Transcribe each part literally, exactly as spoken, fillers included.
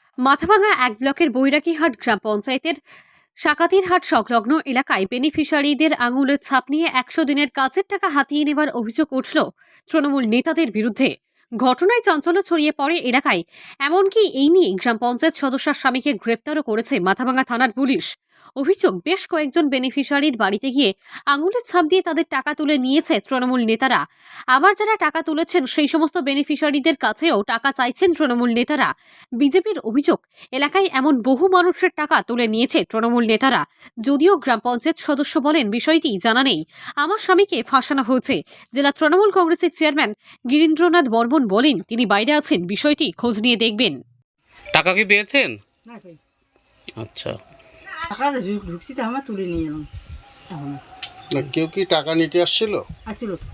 মাথাভাঙা এক ব্লকের বৈরাগীহাট গ্রাম পঞ্চায়েতের সাকাতিরহাট সংলগ্ন এলাকায় বেনিফিশিয়ারিদের আঙুলের ছাপ নিয়ে একশো দিনের কাজের টাকা হাতিয়ে নেবার অভিযোগ উঠল তৃণমূল নেতাদের বিরুদ্ধে। ঘটনায় চাঞ্চল্য ছড়িয়ে পড়ে এলাকায়। এমনকি এই নিয়ে গ্রাম পঞ্চায়েত সদস্যার স্বামীকে গ্রেপ্তারও করেছে মাথাভাঙা থানার পুলিশ। অভিযোগ, বেশ কয়েকজন বেনিফিশিয়ারির বাড়িতে গিয়ে আঙুলের ছাপ দিয়ে তাদের টাকা তুলে নিয়েছে তৃণমূল নেতারা। আবার যারা টাকা তুলেছেন সেই সমস্ত বেনিফিশিয়ারিদের কাছেও টাকা চাইছেন তৃণমূল নেতারা। বিজেপির অভিযোগ, এলাকায় এমন বহু মানুষের টাকা তুলে নিয়েছে তৃণমূল নেতারা। যদিও গ্রাম পঞ্চায়েত সদস্য বলেন বিষয়টি জানা নেই, আমার স্বামীকে ফাঁসানো হয়েছে। জেলা তৃণমূল কংগ্রেসের চেয়ারম্যান গিরীন্দ্রনাথ বর্মন বলেন তিনি বাইরে আছেন, বিষয়টি খোঁজ নিয়ে দেখবেন। টাকা কি পেয়েছেন? না ভাই, আচ্ছা, টাকা ঢুক- ঢুকছি তো আমরা তুলে নিয়ে এলাম এখন। না, কেউ কি টাকা নিতে আসছিল? আসছিল তো,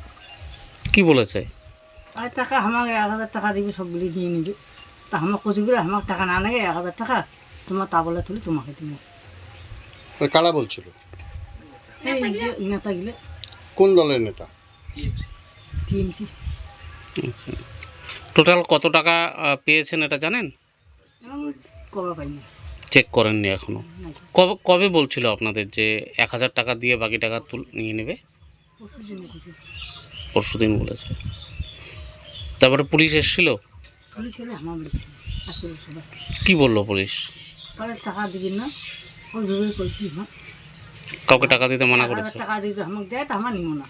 কি বলেছে? আর টাকা আমাকে এক হাজার টাকা দিবে, সবগুলি নিয়ে নিবে। তা আমার কচিগুলো আমার টাকা না নেগে এক হাজার টাকা তোমার তা বলে তুলে তোমাকে দিব। ওই কারা বলছিল? এই যে নেতাগুলো কোন দলের নেতা? টিএমসি। আচ্ছা, টোটাল কত টাকা আহ, পেয়েছেন এটা জানেন? কবা পাইনি। চেক করেননি এখনো? না, কবে কবে বলছিল আপনাদের যে এক হাজার টাকা দিয়ে বাকি টাকা তুল নিয়ে নেবে? পরশু দিনে খুশি পরশু দিন বলেছে। তারপরে পুলিশ এসেছিল? পুলিশ হলে আমার বলেছি আসছিল সবাই। কি বললো পুলিশ? তাহলে টাকা দিবেন না, ওই ভেবে করছি হ্যাঁ কাউকে টাকা দিতে মানা এক হাজার করেছে? টাকা দিতে আমাকে দেয়, তা আমার নিব না,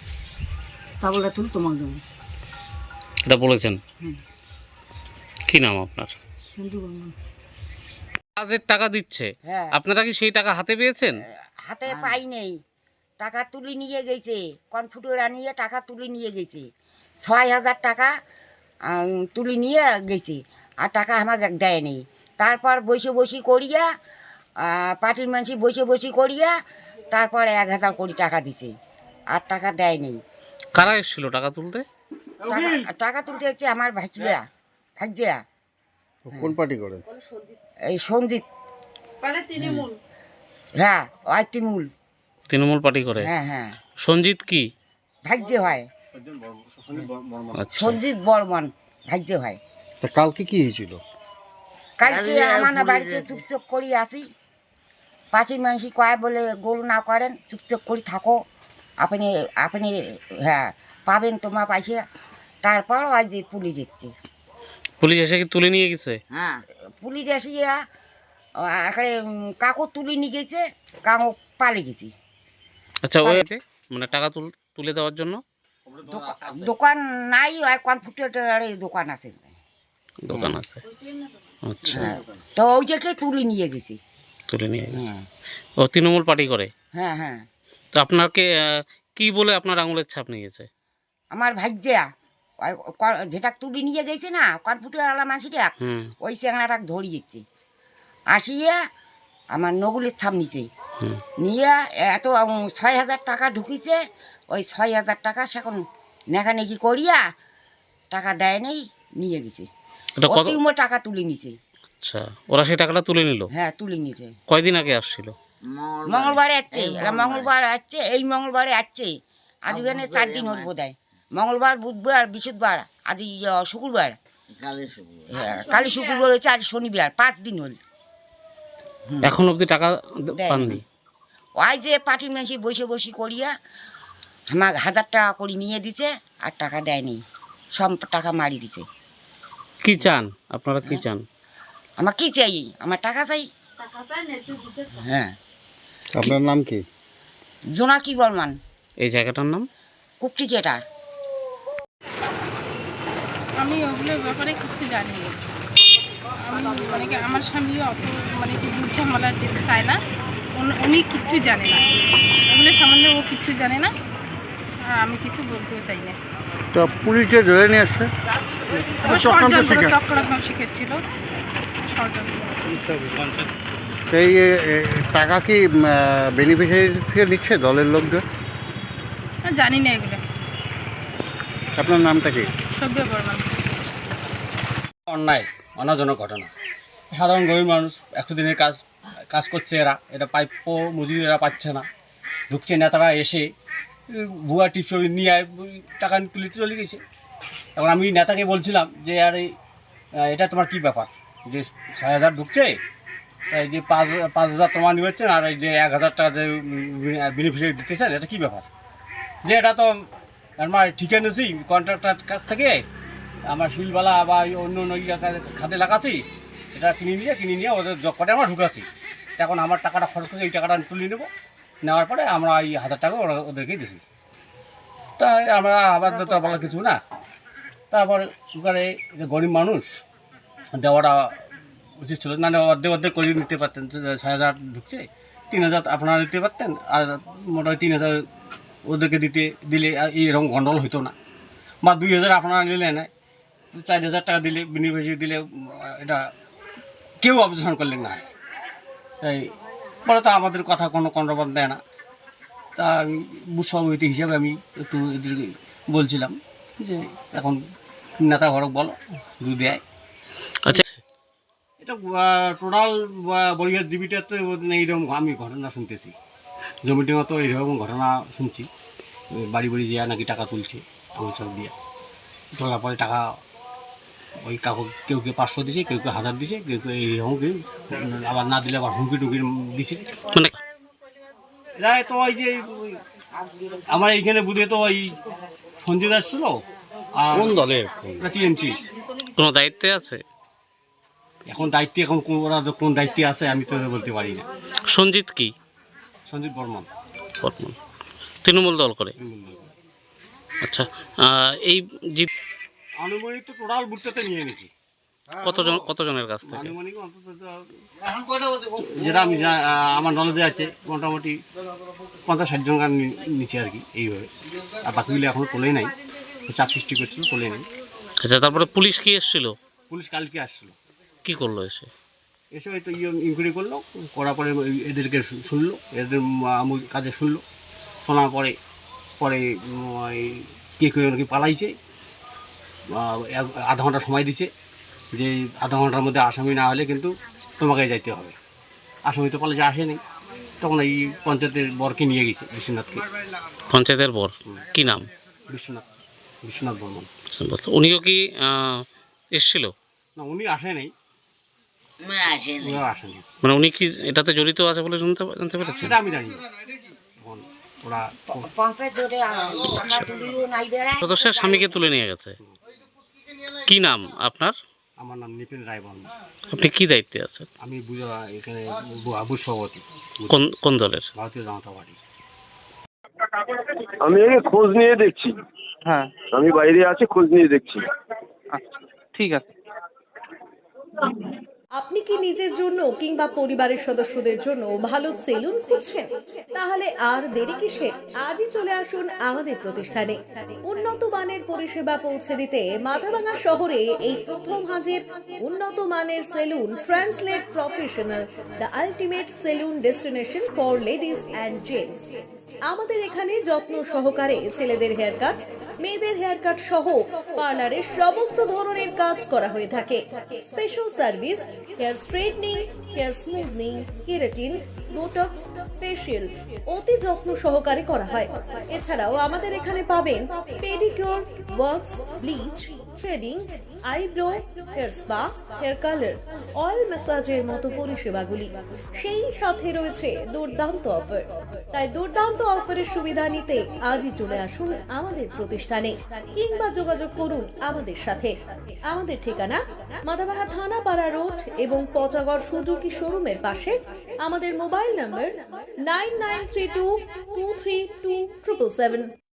তা বলে তুলে তোমাকে দেবো। এটা বলেছেন? হুম, কি নাম আপনার? সিন্ধু বর্মন। কাজের টাকা দিচ্ছে, হ্যাঁ, আপনারা কি সেই টাকা হাতে পেয়েছেন? হাতে পাই নেই, টাকা তুলে নিয়ে গেছে, কনফুটার আনিয়ে টাকা তুলে নিয়ে গেছে, ছয় হাজার টাকা আম, তুলে নিয়ে গেছে, আর টাকা আমাকে দেয়নি। তারপর বসে বসে করিয়া আহ, পার্টির মানুষ বসে বসে করিয়া তারপর এক হাজার কোটি টাকা দিছে, আর টাকা দেয়নি। কারা এসেছিল টাকা তুলতে? টাকা টাকা তুলতে হচ্ছে আমার ভাইজিয়া ভাইজিয়া কোন পার্টি করে? এই সঞ্জিত, হ্যাঁ ওই তিমুল, তৃণমূল পার্টি করে? হ্যাঁ হ্যাঁ সঞ্জিত কি? ভাগ্যে হয়, আচ্ছা, সঞ্জিত বর্মন ভাগ্যে হয়। তা কালকে কি হয়েছিল? কালকে আমার না বাড়িতে চুপচাপ করি আসি, পাঁচির মানুষ কয় বলে গোল না করেন, চুপচাপ করি থাকো, আপনি আপনি হ্যাঁ পাবেন তোমার পাইছে। তারপর ওই যে পুলিশ এসছে, পুলিশ এসে কি তুলে নিয়ে গেছে? হ্যাঁ পুলিশ এসিয়া এখানে কাকু তুলে নিয়ে গেছে, কাকু পালে গেছি। আচ্ছা, ওই মানে টাকা তুল তুলে দেওয়ার জন্য দোকা- দোকান নাই, ওই কনফুটারের দোকান আছে, দোকান আছে? আচ্ছা, হ্যাঁ তো ওই যে তুলে নিয়ে গেছি। তুলে নিয়ে গেছে। হ্যাঁ ও তৃণমূল পার্টি করে? হ্যাঁ হ্যাঁ তো আপনাকে আহ, কি বলে আপনার আঙুলের ছাপ নিয়ে গেছে? আমার ভাইজিয়া ওই ক- যেটা তুলে নিয়ে গেছে না কনফুটারওয়ালা মাসিটা, হুম ওই চ্যাংড়াটা ধরিয়েছে, আসিয়া আমার নগুলের ছাপ নিছে, হুম নিয়ে এত উম, ছয় হাজার টাকা ঢুকিছে, ওই ছয় হাজার টাকা সেখন নেখানেকি করিয়া টাকা দেয় নেই, নিয়ে গেছে। এটা কত? অতিম টাকা তুলে নিছে, আচ্ছা, ওরা সেই টাকাটা তুলে নিল? হ্যাঁ তুলে নিছে। কয়দিন আগে আসছিল? মঙ্গলবারে আসছে, এরা মঙ্গলবার আসছে, এই মঙ্গলবারে আসছে, আজ ওখানে চার দিন হল বোধ হয়, মঙ্গলবার বুধবার বৃহস্পতিবার, আজ এই, আহ, শুক্রবার, হ্যাঁ কালী শুক্রবার হয়েছে, আর শনিবার, পাঁচ দিন হল। এখন অবধি টাকা দ- দেয়নি। পাননি? ওই যে পার্টির মানুষ বসে বসে করিয়া আমার হাজার টাকা করে নিয়ে দিছে, আর টাকা দেয়নি, সব টাকা মারি দিছে। কি চান আপনারা, কি চান? আমার কি চাই? আমার টাকা চাই। হ্যাঁ, আপনার নাম কি? জোনাকি বর্মন, এই জায়গাটার নাম? কুপ্রিকেটার। আমি ওগুলোর ব্যাপারে কিছু জানি না। আমি মানে কি আমার স্বামীও অত মানে কি দুধ ঝামেলা যেতে চায় না, উনি- উনি কিচ্ছু জানে না, এগুলো সম্বন্ধে ও কিচ্ছু জানে না, আর আমি কিছু বলতেও চাই না। তা পুলিশে ধরে নিয়ে আসছে? ও ষড়যন্ত্র চক্রান্ত শিখেছিল, ষড়যন্ত্র। এই এ, এ, টাকা কি বেনিফিশিয়ারি থেকে নিচ্ছে দলের লোকজন? আর জানি না এগুলো। আপনার নামটা কি? সভ্য বর্মন। অন্যায় অনাজনক ঘটনা। সাধারণ গরিব মানুষ একশো দিনের কাজ কাজ করছে, এরা এটা প্রাপ্য মজুরি এরা পাচ্ছে না, ঢুকছে নেতারা এসে উম, ভুয়া টিপস নিয়ে ওই টাকা তুলে চলে গেছে। এখন আমি নেতাকে বলছিলাম যে আরে আহ, এটা তোমার কী ব্যাপার, যে ছয় হাজার ঢুকছে, এই যে পাঁচ পাঁচ হাজার তোমার নিবেছেন আর এই যে এক হাজার টাকা যে বেনিফিশিয়ারি দিতেছেন, এটা কী ব্যাপার? যে এটা তো আমার ঠিকা নিয়েছি কন্ট্রাক্টার কাছ থেকে, আমার শিলবালা বা অন্য অন্য খাতে লাগাচ্ছি, এটা কিনে নিয়ে কিনে নিয়ে ওদের জব করে আমরা ঢুকাচ্ছি। এখন আমার টাকাটা খরচ করে এই টাকাটা তুলে নেবো, নেওয়ার পরে আমরা এই হাজার টাকা ওরা ওদেরকেই দিছি। তাই আমরা আবার তো বলার কিছু না। তারপরে ওখানে যে গরিব মানুষ দেওয়াটা উচিত ছিল না, অর্ধেক অর্ধেক করে নিতে পারতেন। ছয় হাজার ঢুকছে, তিন হাজার আপনারা নিতে পারতেন, আর মোটামুটি তিন হাজার ওদেরকে দিতে দিলে এইরকম গন্ডগোল হতো না। বা দুই হাজার আপনারা নিলে না, চার হাজার টাকা দিলে বেনিফিশিয়ারি দিলে এটা কেউ অবজেকশন করলেন না। তাই পরে তো আমাদের কথা কোনো কন্ট্রোভার দেয় না। তা আমি বুথ সভাপতি হিসাবে আমি একটু এদেরকে বলছিলাম যে এখন নেতা ঘরক বলো দু দেয়। আচ্ছা, এটা টোটাল বরিয়ার জিবিটাতে এইরকম আমি ঘটনা শুনতেছি, জমিটির মতো এইরকম ঘটনা শুনছি। বাড়ি বাড়ি দেওয়া নাকি টাকা তুলছে, আমি সব দিয়ে তোলার পরে টাকা ওই কাকু কেউ কেউ পাঁচশো দিছে, কেউ কেউ হাজার দিছে, কেউ কেউ এইরকম কেউ আবার না দিলে আবার হুমকি টুকি দিছে। মানে এরা তো ওই যে ওই আমার এইখানে বুধে তো ওই সঞ্জিত আসছিল, আর কোন দলের? টিএমসি। কোনো দায়িত্বে আছে? এখন দায়িত্বে এখন কোন- ওরা কোন দায়িত্বে আছে আমি তো বলতে পারি না। সঞ্জিত কি? সঞ্জিত বর্মন বর্তমান তৃণমূল দল করে। আচ্ছা, আহ, এই জীব আনুমানিক তো টোটাল বুটটাতে নিয়ে নিয়েছি। কতজন কতজনের কাছ থেকে? আনুমানিক অন্তত তো যেটা আমি যা- আমার নলেজে আছে মোটামুটি পঞ্চাশ ষাট জন গান নিচে আর কি এইভাবে। আর বাকিগুলো এখনও তোলেই নাই, চাপ সৃষ্টি করছিল, তোলে নাই। আচ্ছা, তারপরে পুলিশ কি এসেছিল? পুলিশ কালকে আসছিল, কি করলো এসে? এসে হয়তো ইয়ে ইনকোয়ারি করলো, করার পরে ওই এদেরকে শু- শুনলো, এদের আমুল কাজে শুনলো, শোনার পরে পরে উম, ওই কে কেউ নাকি পালাইছে, আহ, এক- আধা ঘন্টা সময় দিছে যে আধা ঘন্টার মধ্যে আসামি না হলে কিন্তু তোমাকে যাইতে হবে। আসামি তো পালাইছে, আসেনি, তখন এই পঞ্চায়েতের বরকে নিয়ে গেছে, বিশ্বনাথকে। পঞ্চায়েতের বর কি নাম? বিশ্বনাথ বিশ্বনাথ বর্মন। আচ্ছা, বলতো উনিও কি আহ, এসেছিল? না, উনি আসে নাই, ওরাও আসেনি, মানে উনি কি এটাতে জড়িত আছে বলে জানতে জানতে পেরেছেন? সেটা আমি জানি না। এখন ওরা পঞ্চায়েত ধরে টাকা তুলিও নাই বেড়ায়। সদস্যের স্বামীকে তুলে নিয়ে গেছে। কি নাম আপনার? আমার নাম নিপিন রায় বর্মন। আপনি কি দায়িত্বে আছেন? আমি বুঝা এখানে বুথ সভাপতি, কোন কোন দলের? ভারতীয় জনতা পার্টি। আমি এই খোঁজ নিয়ে দেখছি। হ্যাঁ, আমি বাইরে আছি, খোঁজ নিয়ে দেখছি। আচ্ছা, ঠিক আছে। আপনি কি নিজের জন্য কিংবা পরিবারের সদস্যদের জন্য ভালো সেলুন খুঁজছেন? তাহলে আর দেরি কিসের? আজই চলে আসুন আমাদের প্রতিষ্ঠানে। উন্নত মানের পরিষেবা পৌঁছে দিতে মাথাভাঙা শহরে এই প্রথম হাজির উন্নত মানের salon translate professional, the ultimate salon destination for ladies and gents. আমাদের এখানে যত্ন সহকারে ছেলেদের হেয়ার কাট, মেয়েদের হেয়ার কাট সহ পার্লারের সমস্ত ধরনের কাজ করা হয়ে থাকে। Special service hair straightening, hair smoothing, keratin, botox, facial অতি যত্ন সহকারে করা হয়। এছাড়াও আমাদের এখানে পাবেন pedicure, wax, bleach, threading, eyebrow, hair spa, hair colour, oil ম্যাসাজের মতো পরিষেবাগুলি। সেই সাথে রয়েছে দুর্দান্ত অফার। তাই দুর্দান্ত অফারের সুবিধা নিতে আজই চলে আসুন আমাদের প্রতিষ্ঠানে কিংবা যোগাযোগ করুন আমাদের সাথে। আমাদের ঠিকানা মাথাভাঙা থানাপাড়া রোড এবং পচাগড় সুজুকি শোরুমের পাশে। আমাদের mobile number nine nine three two two three two triple seven.